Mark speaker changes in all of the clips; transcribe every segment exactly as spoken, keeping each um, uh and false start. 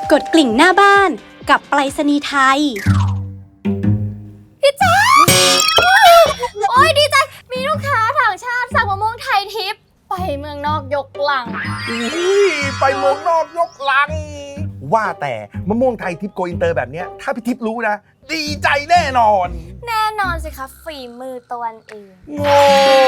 Speaker 1: กดกลิ่งหน้าบ้านกับไปรษณีย์ไทย
Speaker 2: พี่แจ๊คโอ้ยดีใจมีลูกค้าต่างชาติสั่งมะม่วงไทยทิพย์ไปเมืองนอกยกลัง
Speaker 3: ไปเมืองนอกยกลังว่าแต่มะม่วงไทยทิพย์โกอินเตอร์แบบเนี้ยถ้าพี่ทิพย์รู้นะดีใจแน่นอน
Speaker 2: แน่นอนสิคะฝีมือตะวันเอง
Speaker 3: โง่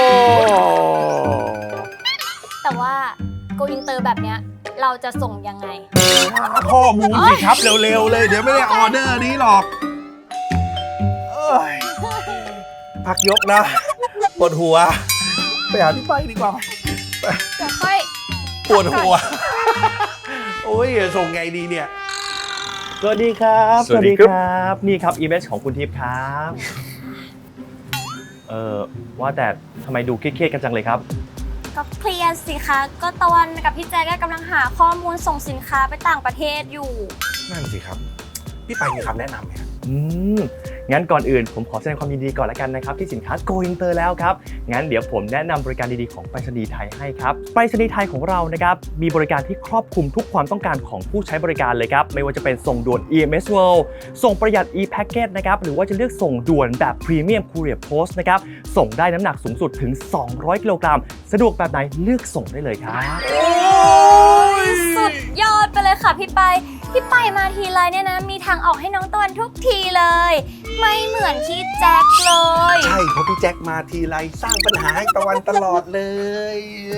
Speaker 2: แต่ว่าโกอินเตอร์แบบเนี้ยเราจะส่งยังไง
Speaker 3: หาข้อมูลสิครับเร็วๆเลยเดี๋ยวไม่ได้ออเดอร์นี้หรอกเอ้ยพักยกนะปวดหัวไปหาพี่ไปดีกว่า
Speaker 2: เดี๋ยวค่อย
Speaker 3: ปวดหัวโอ้ยส่งไงดีเนี่ย
Speaker 4: สวัสดีครับ
Speaker 3: สวัสดีครับ
Speaker 4: นี่ครับอีเมจของคุณทิพย์ครับเออว่าแต่ทำไมดูเครียดๆกันจังเลยครับ
Speaker 2: ก็เคลียร์สิคะก็ตะวันกับพี่แจ๊กกำลังหาข้อมูลส่งสินค้าไปต่างประเทศอยู่
Speaker 3: นั่นสิครับพี่ไปมีคำแนะนำไหมครับ
Speaker 4: อืมงั้นก่อนอื่นผมขอแสดงความยินดีก่อนละกันนะครับที่สินค้า Go Inter แล้วครับงั้นเดี๋ยวผมแนะนำบริการดีๆของไปรษณีย์ไทยให้ครับไปรษณีย์ไทยของเรานะครับมีบริการที่ครอบคลุมทุกความต้องการของผู้ใช้บริการเลยครับไม่ว่าจะเป็นส่งด่วน อี เอ็ม เอส World ส่งประหยัด e-package นะครับหรือว่าจะเลือกส่งด่วนแบบ Premium Courier Post นะครับส่งได้น้ำหนักสูงสุดถึงสองร้อยกิโลกรัมสะดวกแบบไหนเลือกส่งได้เลยครับ
Speaker 2: โอ้ยสุดยอดไปเลยค่ะพี่ไปพี่ไปมาทีไรเนี่ยนะมีทางออกให้น้องตะวันทุกทีเลยไม่เหมือนที่แจ็คเลย
Speaker 3: ใช่เพราะพี่แจ็คมาทีไรสร้างปัญหาให้ตะวันตลอดเลย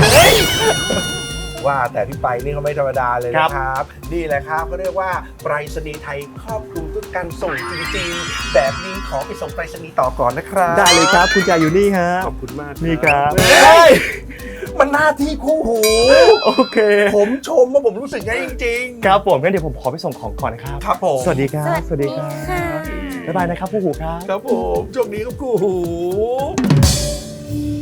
Speaker 3: ว่าแต่พี่ไปนี่เขาไม่ธรรมดาเลยนะครับนี่แหละครับเขาเรียกว่าไปรษณีย์ไทยครอบคลุมทุกการส่งจริงๆแบบนี้ขอไปส่งไปรษณีย์ต่อก่อนนะครับ
Speaker 4: ได้เลยครับคุณจ่ายอยู่นี่ฮะ
Speaker 3: ขอบคุณมาก
Speaker 4: นี่ครับ
Speaker 3: มันหน้าที่คู่หู
Speaker 4: โอเค
Speaker 3: ผมชมว่าผมรู้สึกไงจริง
Speaker 4: ๆครับผมงั้นเดี๋ยวผมขอไปส่งของก่อนนะครับ
Speaker 3: ครับผม
Speaker 4: สวัสดีครับสวัสดีครับบ๊ายบายนะครับคู่หูครับ
Speaker 3: ครับผมโชคดีครับคู่หู